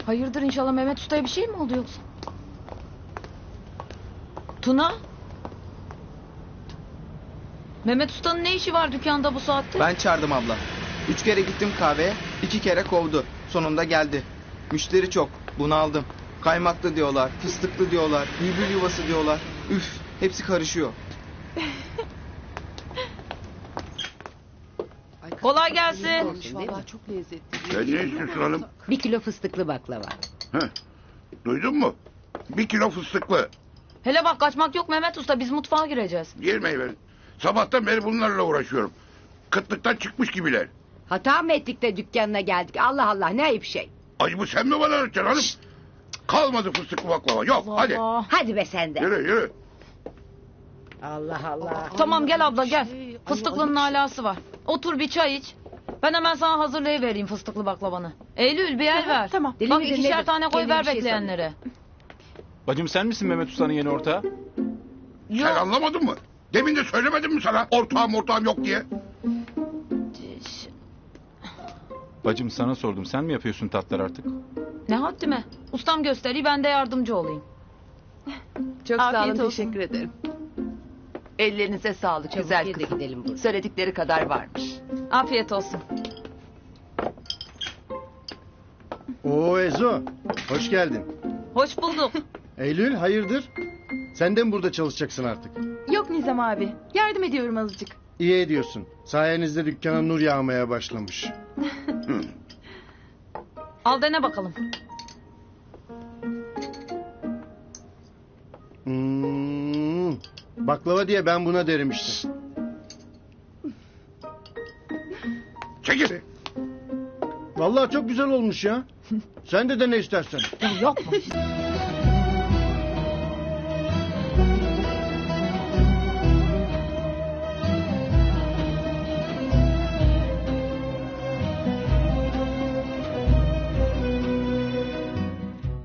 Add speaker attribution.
Speaker 1: Hayırdır inşallah Mehmet Usta'ya bir şey mi oldu yoksa? Tuna? Mehmet Usta'nın ne işi var dükkanda bu saatte?
Speaker 2: Ben çağırdım abla. 3 kere gittim kahveye, 2 kere kovdu. Sonunda geldi. Müşteri çok, bunu aldım. Kaymaklı diyorlar, fıstıklı diyorlar, bülbül yuvası diyorlar. Üf, hepsi karışıyor.
Speaker 1: Kolay gelsin.
Speaker 3: Vallahi çok lezzetli.
Speaker 4: Sen ne istiyorsun hanım?
Speaker 3: 1 kilo fıstıklı baklava.
Speaker 4: Heh. Duydun mu? 1 kilo fıstıklı.
Speaker 1: Hele bak kaçmak yok Mehmet Usta, biz mutfağa gireceğiz.
Speaker 4: Girmeyi verin. Sabahtan beri bunlarla uğraşıyorum. Kıtlıktan çıkmış gibiler.
Speaker 3: Hata mı ettik de dükkanına geldik? Allah Allah, ne ayıp şey.
Speaker 4: Acı bu sen mi bana öğreteceksin hanım? Kalmadı fıstıklı baklava. Yok hadi.
Speaker 1: Allah.
Speaker 3: Hadi be sen de.
Speaker 4: Yürü yürü.
Speaker 3: Allah Allah.
Speaker 1: Tamam gel abla gel. Fıstıklının alası var. Otur bir çay iç. Ben hemen sana hazırlayıvereyim fıstıklı baklavanı. Eylül bir el ver.
Speaker 3: Tamam. Deli
Speaker 1: Bak
Speaker 3: midir,
Speaker 1: 2'şer
Speaker 3: nedir?
Speaker 1: tane koy
Speaker 3: Kendine
Speaker 1: ver
Speaker 3: bir şey
Speaker 1: bekleyenlere.
Speaker 5: Bacım sen misin Mehmet Usta'nın yeni ortağı?
Speaker 4: Sen
Speaker 1: Yok.
Speaker 4: anlamadın mı? Demin de söylemedim mi sana? Ortağım yok diye.
Speaker 5: Bacım sana sordum, sen mi yapıyorsun tatlar artık?
Speaker 1: Ne haddime? Ustam gösteriyor, ben de yardımcı olayım.
Speaker 6: Çok
Speaker 7: Afiyet
Speaker 6: sağ olun,
Speaker 7: olsun.
Speaker 6: teşekkür ederim. Ellerinize sağlık,
Speaker 3: Çabuk
Speaker 6: güzel
Speaker 3: ye de
Speaker 6: kızım.
Speaker 3: gidelim buradan.
Speaker 6: Söyledikleri kadar varmış.
Speaker 1: Afiyet olsun.
Speaker 8: Oo Ezo, hoş geldin.
Speaker 1: Hoş bulduk.
Speaker 8: Eylül, hayırdır? Sen de mi burada çalışacaksın artık?
Speaker 7: Yok Nizam abi. Yardım ediyorum azıcık.
Speaker 8: İyi ediyorsun. Sayenizde dükkana nur yağmaya başlamış.
Speaker 1: Al dene bakalım.
Speaker 8: Baklava diye ben buna derim işte.
Speaker 4: Çekil.
Speaker 8: Vallahi çok güzel olmuş ya. Sen de dene istersen.
Speaker 1: Yapma.